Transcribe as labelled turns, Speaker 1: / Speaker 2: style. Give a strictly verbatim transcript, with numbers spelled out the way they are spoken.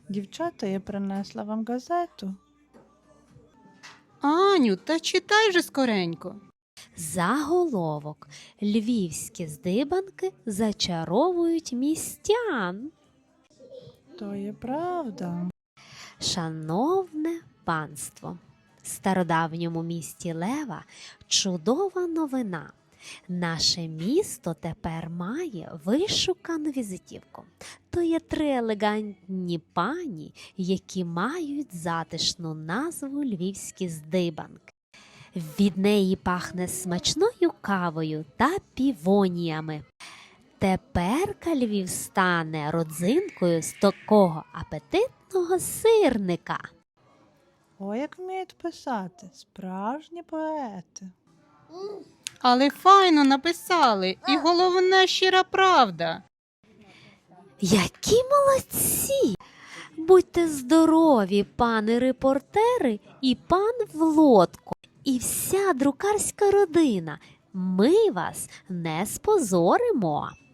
Speaker 1: Дівчата, я принесла вам газету.
Speaker 2: Аню, та читай же скоренько.
Speaker 3: Заголовок. Львівські здибанки зачаровують містян.
Speaker 1: То є правда.
Speaker 3: Шановне панство, в стародавньому місті Лева чудова новина. Наше місто тепер має вишукану візитівку. То є три елегантні пані, які мають затишну назву «Львівські здибанки». Від неї пахне смачною кавою та півоніями. Теперка Львів стане родзинкою з такого апетитного сирника.
Speaker 1: Ой, як вміють писати. Справжні поети.
Speaker 2: Але файно написали, і головне щира правда.
Speaker 3: Які молодці! Будьте здорові, пани репортери і пан Влодко, і вся друкарська родина. Ми вас не спозоримо.